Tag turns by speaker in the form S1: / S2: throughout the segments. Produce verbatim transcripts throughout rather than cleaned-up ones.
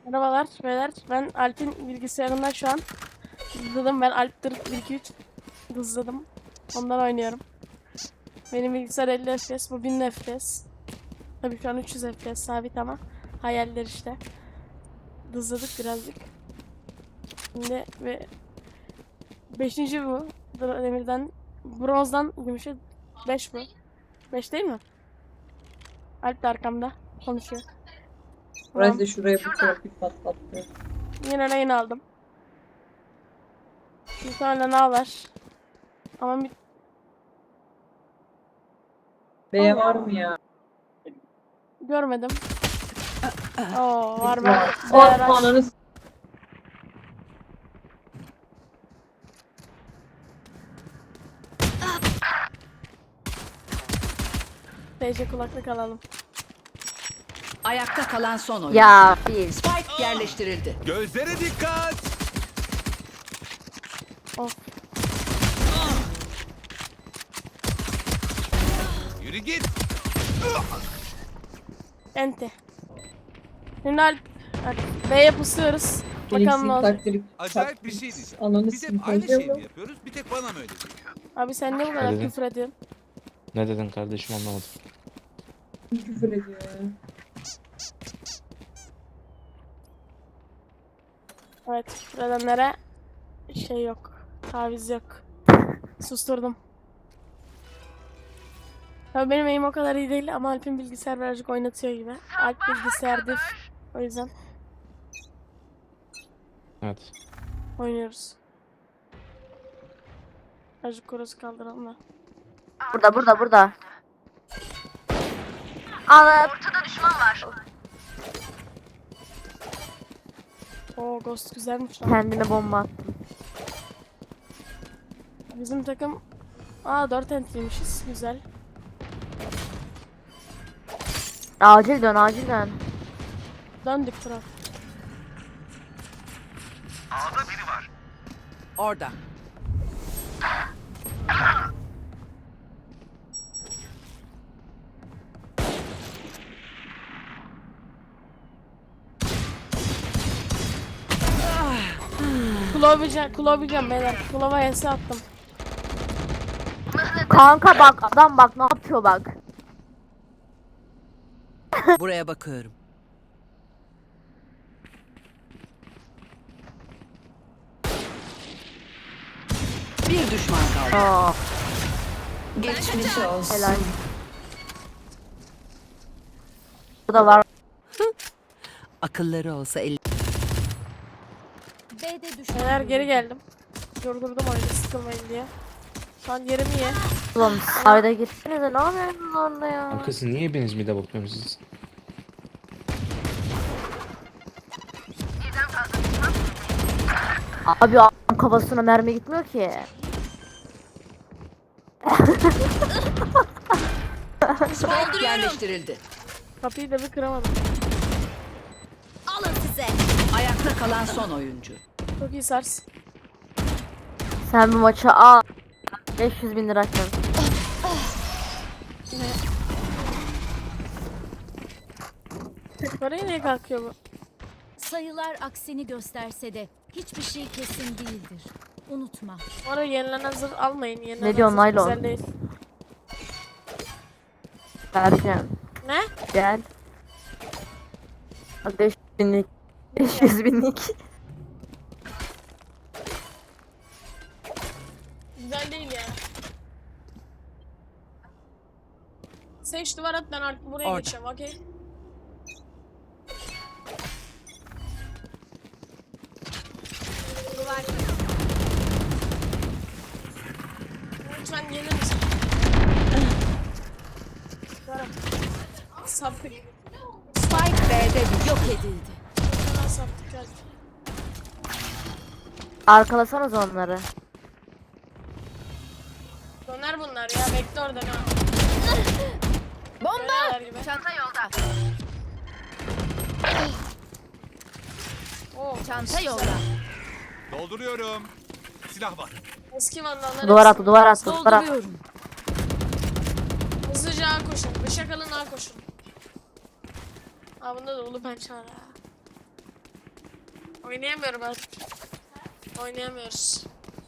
S1: Merhabalar beyler. Ben Alp'in bilgisayarından şu an hızladım. Ben Alp'tir bir iki üç hızladım. Ondan oynuyorum. Benim bilgisayar elli F P S, bu bin F P S. Tabii şu an üç yüz F P S sabit ama hayaller işte. Hızladık birazcık. Şimdi ve beşinci bu. Demirden, bronzdan gümüşe beş bu. beş değil mi? Alp de arkamda konuşuyor.
S2: Burası
S1: Tamam.
S2: da şuraya bu profil patlattı.
S1: Yine rehin aldım. Bir tane ne var? Ama bir
S2: B var mı ya?
S1: görmedim. Oo var ben.
S2: Var.
S1: Değer
S2: Oh, ananı s-
S1: T C kulaklık alalım.
S3: Ayakta kalan son oyuncu.
S4: Ya bir.
S3: Spike yerleştirildi.
S5: Gözlere dikkat.
S1: Of.
S5: Yürü git.
S1: Ente. Şimdi Alp, Alp B'ye pusuyoruz.
S2: benim
S1: Bakalım ne olacak.
S2: sintaktirik
S5: Acayip bir şey diyeceğim.
S2: Ananı
S5: Biz hep aynı
S2: sintaktirik
S5: şeyi mi yapıyoruz? Bir tek bana mı öyle geliyor?
S1: Abi sen niye bu kadar
S6: dedin?
S1: küfür ediyorsun?
S6: Ne dedin kardeşim anlamadım.
S2: küfür ediyor ya.
S1: Evet, küfür edenlere şey yok. Taviz yok. Susturdum. Tabii benim eğim o kadar iyi değil ama Alp'in bilgisayar birazcık oynatıyor gibi. Alp bilgisayardır. O yüzden
S6: Evet.
S1: oynuyoruz. Birazcık korosu kaldıralım da.
S4: Burada burada burada. Ana.
S1: Oo Ghost güzelmiş lan.
S4: Kendine bomba attım.
S1: Bizim takım aa dört entliymişiz. Güzel.
S4: Acil dön acil dön.
S1: Döndük Turan.
S3: Orada.
S1: Kulovican, Kulovican beyler. Kulova S attım.
S4: Kanka bak adam bak ne yapıyor bak.
S3: Buraya bakıyorum. Bir düşman kaldı.
S4: Aa,
S3: Geçmiş olsun.
S4: helal. Burada var.
S3: Akılları olsa el.
S1: Beyler geri geldim. Durdurdum oyunu sıkılmayın diye. Şu an yerim iyi.
S4: Oğlum sayda gittiniz de ne yapıyorsunuz orada ya?
S6: Arkası niye hepiniz mide bakıyorsunuz siz?
S4: Abi adam kafasına mermi gitmiyor ki.
S3: Spike yerleştirildi.
S1: Kapıyı da bir kıramadım.
S3: Ayakta kalan son oyuncu.
S1: Çok iyi sars.
S4: Sen bu maça al. beş yüz bin lira açın.
S1: Parayı niye kalkıyor bu?
S7: Sayılar aksini gösterse de hiçbir şey kesin değildir. Unutma.
S1: Bu arada yenilen zırh almayın. Yenilen
S4: Ne diyorsun,
S1: zırh
S4: naylon?
S1: güzel değil.
S4: Vereceğim.
S1: Ne?
S4: Gel. Bak beş yüz binlik. beş yüz binlik.
S1: Güzel değil ya. Seç duvar at ben artık buraya
S3: Orada.
S1: geçeceğim okey? Duvar. Lütfen gelir misin? Duvarım. Saptık.
S3: Spike B'de düştü. Yok edildi.
S1: Hemen saptık geldi.
S4: Arkalasanız onları.
S1: Döner bunlar ya bekle orada ha. Bomba!
S7: Çanta yolda.
S1: Oo,
S7: Çanta yolda.
S5: Dolduruyorum. Silah var.
S1: eski vandallar.
S4: Duvar
S1: hepsi-
S4: attı duvar attı duvar attı.
S3: Dolduruyorum.
S1: Hızlıca A koşun. Bıçak alın A koşun. Aa bunda da ulu pençe var ha. Oynayamıyorum artık. Oynayamıyoruz.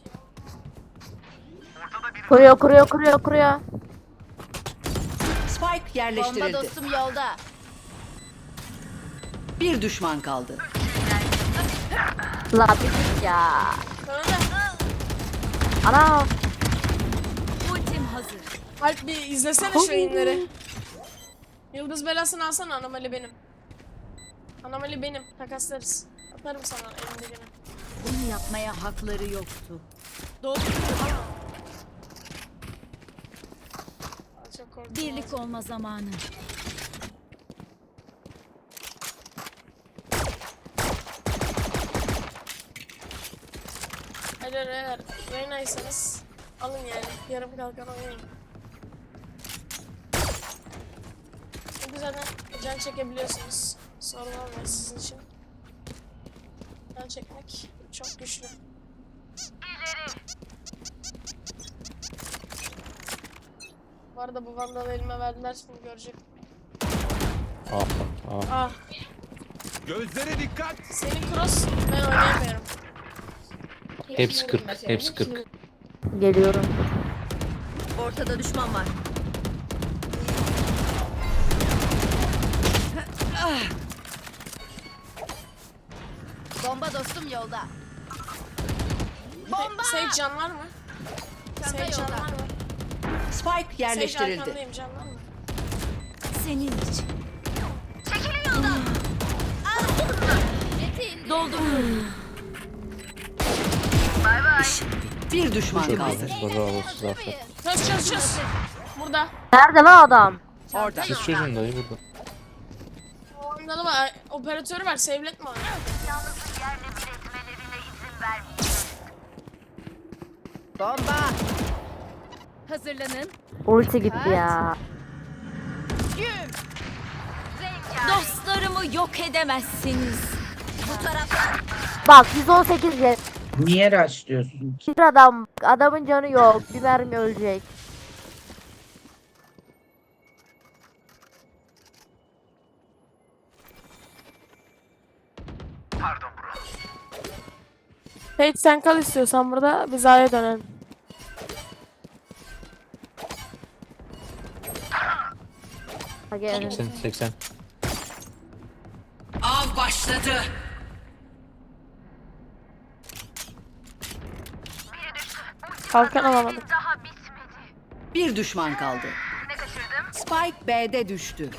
S4: Kuruyor kuruyor kuruyor kuruyor.
S3: Spike
S7: Bomba
S3: yerleştirildi.
S7: dostum yolda.
S3: Bir düşman kaldı.
S4: La bir git ya.
S1: Sonra da
S4: Ana.
S7: Ultim hazır.
S1: Alp bir izlesene şu yayınları. Yıldız belasını alsana, anomali benim. Anomali benim, takaslarız. Atarım sana elimdekini.
S7: Bunu yapmaya hakları yoktu.
S1: Doğru. Çok korktum.
S7: Birlik olma zamanı.
S1: Eğer eğer Reyna'ysanız alın yani. Yarım kalkan oynayın. Çünkü zaten can çekebiliyorsunuz. Sorun olmuyor sizin için. Can çekmek çok güçlü. Bu arada bu vandalı elime verdiler, şimdi görecek.
S6: Aa, aa.
S1: Ah,
S5: Gözlere dikkat.
S1: senin cross, ben oynayamıyorum.
S6: Hepsi kırk. Hepsi kırk.
S4: Geliyorum.
S7: Ortada düşman var. Bomba dostum yolda.
S1: Bomba! Sage can var mı? Sage can var mı?
S3: Spike
S1: Sage
S3: yerleştirildi.
S1: arkandayım, can var mı?
S7: Senin için. Çekilin yoldan. Metin. Dolduruyorum.
S3: Bir düşman
S6: Çok
S3: kaldı.
S6: iyi. Bravo size aferin.
S1: Çöz çöz çöz. Burada.
S4: Nerede lan adam?
S3: Orada.
S6: Siz çözün dayı burada.
S1: O vandalı var, operatörü var, save'letme onu.
S3: Bomba.
S7: Hazırlanın.
S4: Ulti gitti ya.
S7: Dostlarımı yok edemezsiniz. Bu taraftan.
S4: Bak yüz on sekiz jet.
S2: Niye rushlıyorsun?
S4: Bir adam. Adamın canı yok. Bir mermi ölecek.
S1: Sage sen kal istiyorsan burada, biz A'ya dönelim.
S4: Ha gelin.
S6: seksen seksen.
S3: Av başladı.
S1: Kalkan alamadık.
S3: Bir düşman kaldı. Spike B'de düştü.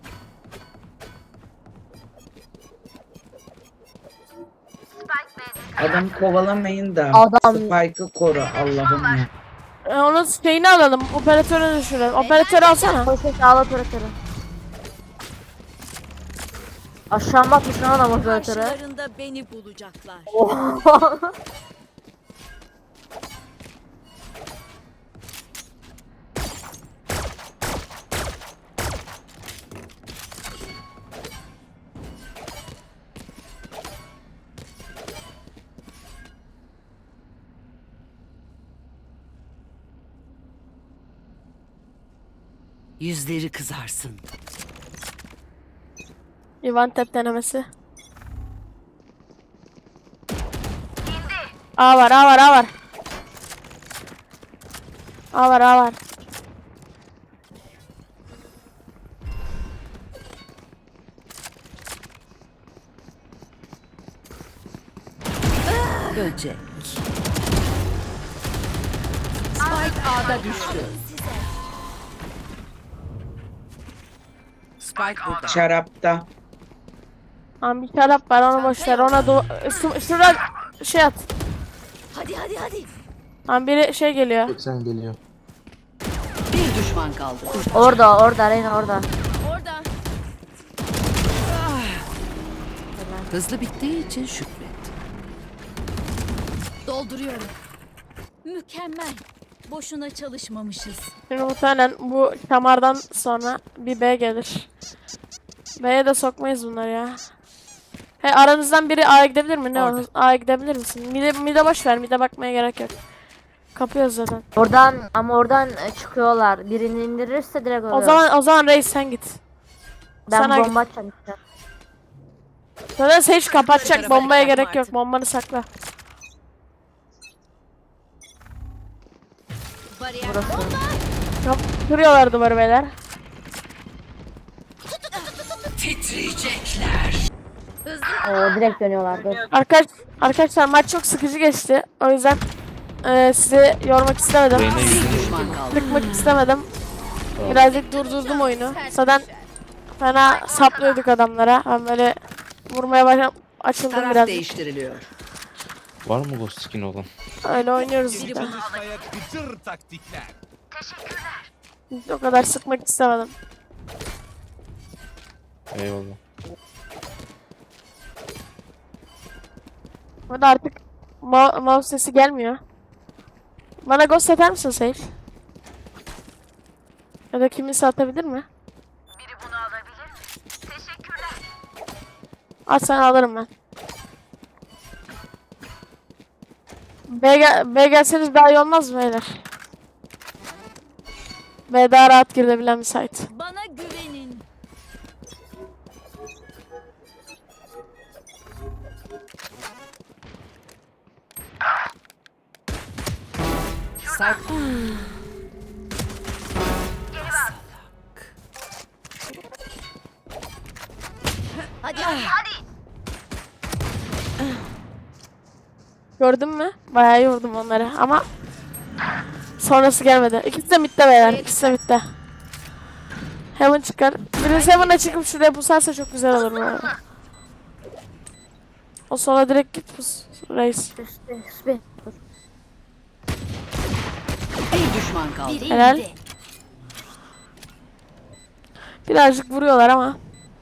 S2: Adam kovalamayın da
S4: Adam-
S2: Spike'ı koru Allah'ım ya.
S1: E, onun şeyini alalım, operatörü düşürelim. Operatörü alsana.
S4: Koş koş ağla operatörü. Aşağı bakmış lan adam operatörü.
S7: Karşılarında beni bulacaklar.
S3: Yüzleri kızarsın.
S1: Ivan tep denemesi. A var, A var, A var. A var, A var.
S3: Böcek. Spike A'da düştü. Spike burada.
S2: Şarapta.
S1: Tamam, bir taraf var, onu boş ver. Ona do Şu- şurada şey at.
S7: Hadi hadi hadi.
S1: Tamam, biri şey geliyor.
S6: seksen geliyor.
S3: Bir düşman kaldı.
S4: Orada orada Reyna orada.
S7: Orada.
S3: Hızlı bittiği için şükret.
S7: Dolduruyorum. Mükemmel. Boşuna çalışmamışız.
S1: Şimdi muhtemelen bu şamardan sonra bir B gelir. B'ye de sokmayız bunları ya. He, aranızdan biri A'ya gidebilir mi? Ne
S3: Orada.
S1: olur? A'ya gidebilir misin? Mide, mide boş ver. Mide bakmaya gerek yok. Kapıyoruz zaten.
S4: Oradan ama oradan e, çıkıyorlar. Birini indirirse direkt oluyor.
S1: O zaman o zaman Reis sen git.
S4: ben
S1: sana
S4: bomba atacağım işte.
S1: Zaten Sage kapatacak.
S3: tarafa
S1: Bombaya
S3: dikkat
S1: gerek
S3: artık.
S1: yok. Bombanı sakla.
S7: Bariyer
S1: Yap, kırıyorlar duvarı beyler.
S3: Titriyecekler.
S4: Oo direkt dönüyorlardı.
S1: Arkadaş, arkadaşlar maç çok sıkıcı geçti. O yüzden eee sizi yormak istemedim.
S6: Reyna
S3: Bir
S6: yüzünü
S3: düşman kaldı.
S1: Sıkmak istemedim. Birazcık durdurdum oyunu. Zaten fena saplıyorduk adamlara. Ben böyle vurmaya başladım. Açıldım
S3: Taraf
S1: biraz.
S3: değiştiriliyor.
S6: var mı Ghost skin olan?
S1: Öyle oynuyoruz işte.
S5: Çalışmaya gıcır taktikler.
S1: O kadar sıkmak istemedim.
S6: Eyvallah.
S1: Burada artık ma mouse sesi gelmiyor. Bana ghost atar mısın Sage? Ya da kimisi atabilir mi? Biri bunu alabilir mi? Teşekkürler. At sen alırım ben. B, gel B gelseniz daha iyi olmaz mı beyler? B daha rahat girebilen bir site.
S7: bana güvenin.
S3: Sak.
S7: Hadi hadi.
S1: Gördün mü? Bayağı iyi vurdum onları ama sonrası gelmedi. İkisi de midde beyler. İkisi de midde. Heaven çıkar. Birisi Heaven'a çıkıp şuraya pusarsa çok güzel olur bu arada. O sola direkt git pus. Reis.
S4: Üstte üstte. Dur.
S3: Bir düşman kaldı.
S7: Biri
S1: Helal.
S7: indi.
S1: Birazcık vuruyorlar ama.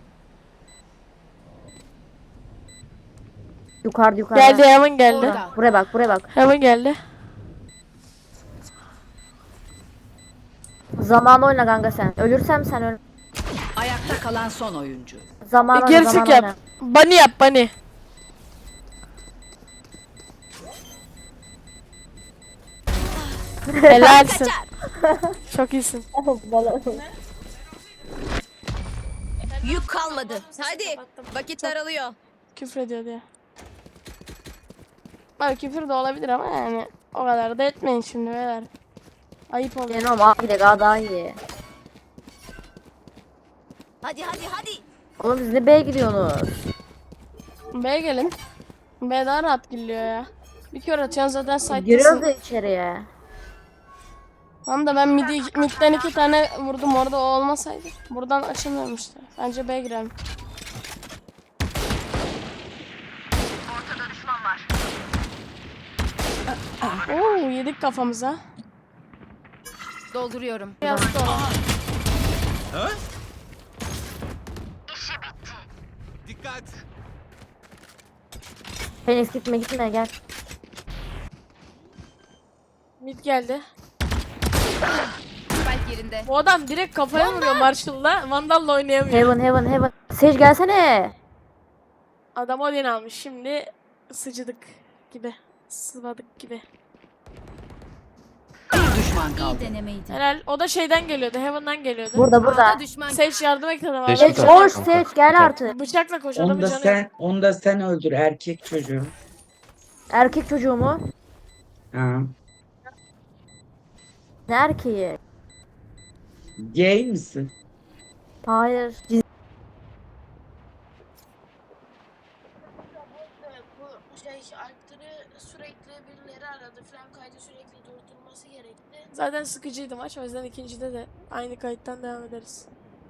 S4: Yukarıda yukarıda.
S1: Geldi Heaven geldi.
S7: Orada.
S4: Buraya bak buraya bak.
S1: Heaven geldi.
S4: Zaman oyna kanka sen. Ölürsem sen öl.
S3: Ayakta kalan son oyuncu.
S4: Zaman
S1: Bir
S4: oyna
S1: geri
S4: zaman
S1: çık yap.
S4: oyna.
S1: Bunny yap bunny. Helalsin. Çok iyisin.
S7: Yük kalmadı. Hadi. Vakit daralıyor.
S1: Küfür ediyor diye. Bak küfür de olabilir ama yani o kadar da etmeyin şimdi beyler. Ayıp oluyor.
S4: Yani oğlum abi de daha daha iyi.
S7: Hadi hadi hadi.
S4: Oğlum siz ne B'ye gidiyorsunuz?
S1: B'ye gelin. B daha rahat giriliyor ya. Bir kör atıyorsun zaten
S4: Giriyoruz
S1: site'desin.
S4: da içeriye.
S1: Tamam da ben midi, midden iki tane vurdum orada o olmasaydı. Buradan açılmıyormuştu. Bence B girelim. Oo yedik kafamıza.
S7: Dolduruyorum.
S1: Yazdı ona.
S5: Dikkat.
S4: Phoenix gitme gitme gel.
S1: Mid geldi.
S7: Spike yerinde.
S1: Bu adam direkt kafaya vuruyor Marshall'la. Vandal'la oynayamıyor.
S4: Heaven heaven heaven. Sage gelsene.
S1: Adam Odin almış. Şimdi sıcıdık gibi. Sıvadık gibi.
S3: Bir düşman
S7: İyi
S3: kaldı.
S7: denemeydi.
S1: Helal. O da şeyden geliyordu. Heaven'dan geliyordu.
S4: Burada burada.
S7: A'da düşman.
S1: Sage yardım et adama.
S6: Sage
S4: Sage
S6: bir tane
S4: koş
S6: kanka.
S4: Sage gel artık.
S1: Bıçakla koş
S2: Onu
S1: adamın
S2: da
S1: canı.
S2: sen, onu da sen öldür erkek çocuğu.
S4: Erkek çocuğu mu?
S2: Ha.
S4: Ne erkeği?
S2: Gay misin?
S4: Hayır. Ciz-
S1: Evet, bu şey Alp'leri sürekli birileri aradı. Falan kaydı sürekli durdurması gerekti. Zaten sıkıcıydı maç. O yüzden ikincide de aynı kayıttan devam ederiz.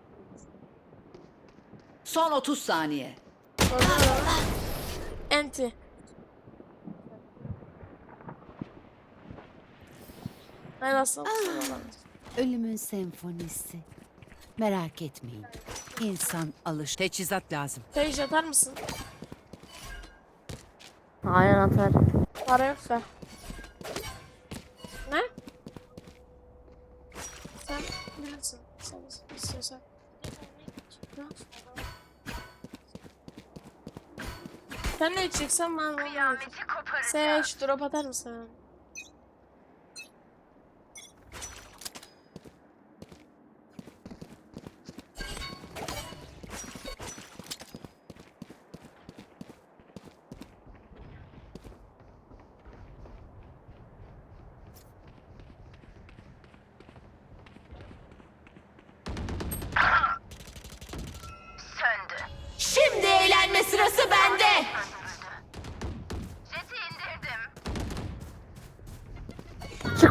S3: Son otuz saniye.
S1: Enti. Ben aslında
S3: Ölümün senfonisi. Merak etmeyin. İnsan alış. Teçhizat lazım.
S1: Sage atar mısın?
S4: Aynen atar.
S1: Para yoksa. Ne? Sen bilirsin. Sen istiyorsan. Ne? Sen ne içeceksen ben onu getireyim. Sage drop atar mısın?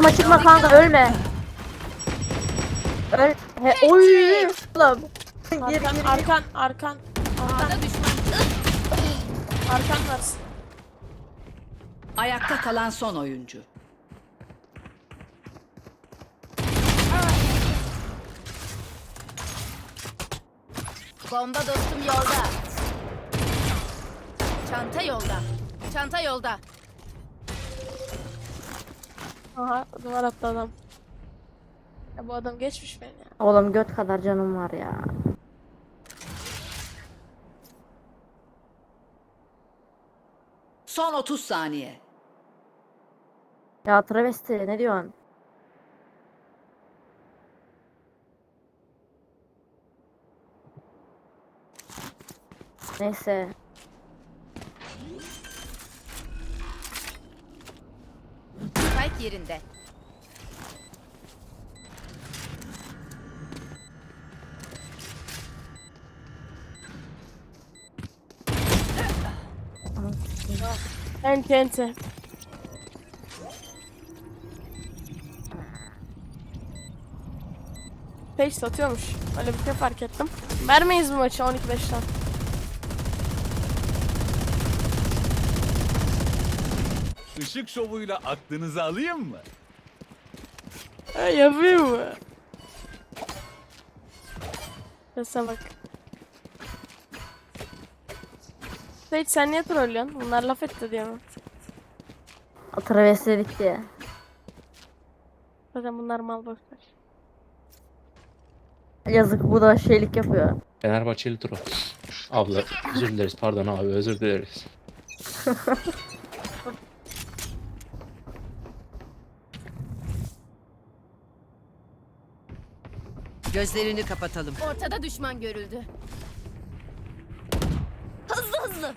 S4: çıkma çıkma kanka ölme. Öl. He, oy. Oğlum. Gir
S1: Arkan,
S4: gir.
S1: arkan, arkan.
S7: A'da düşman.
S1: Arkan varsın.
S3: Ayakta kalan son oyuncu.
S7: Bomba dostum yolda. Çanta yolda. Çanta yolda.
S1: Aha duvar attı adam. Ya bu adam geçmiş beni ya.
S4: Oğlum göt kadar canım var ya.
S3: Son otuz saniye.
S4: Ya travesti ne diyorsun? Neyse.
S7: Spike yerinde.
S1: Ente ente. Page satıyormuş. Öyle bir şey fark ettim. Vermeyiz bu maçı on iki beşten.
S5: Işık şovuyla aklınızı alayım mı?
S1: Ha, yapayım mı? Sese bak. Page sen niye trollüyorsun? Bunlar laf etti diye mi?
S4: O travesti dedik diye.
S1: Zaten bunlar mal boşver.
S4: Yazık bu da şeylik yapıyor.
S6: Fenerbahçelidir o. Abla özür dileriz, pardon abi, özür dileriz.
S3: Gözlerini kapatalım.
S7: Ortada düşman görüldü. Hızlı hızlı.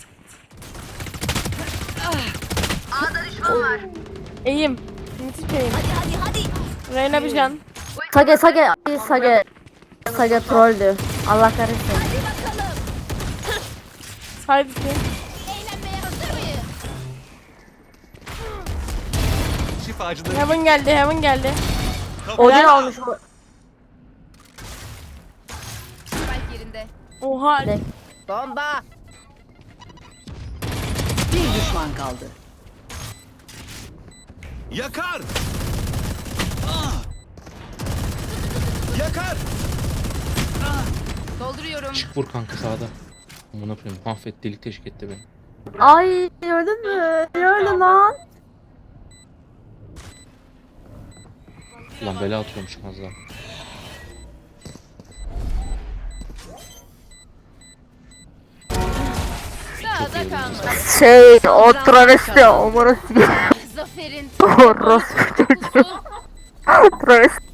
S1: Eğim. Müthiş eğim.
S7: Hadi hadi hadi.
S1: Reyna bir can.
S4: Sage Sage ay, Sage Sage trolldü. Allah kahretsin.
S7: Hadi bakalım.
S1: Haydi ki.
S7: Eğlenmeye hazır mıyız?
S5: Şifacıları
S1: Heaven geldi, Heaven geldi.
S4: Odin almış bu.
S7: Spike yerinde.
S1: Oha.
S4: Ne?
S7: Bomba.
S3: Bir düşman kaldı.
S5: yakar. Ah! Yakar.
S7: Dolduruyorum.
S6: Çık vur kanka sağda. Amına koyayım, mahvet, delik teşvik etti beni.
S4: Ay gördün mü? Ne öyle lan?
S6: Ulan bela atıyormuşum az daha.
S7: Sağda kalma.
S4: Şey o travesti o morası.
S7: Zaferin.
S4: Orospu çocuğu. Travesti.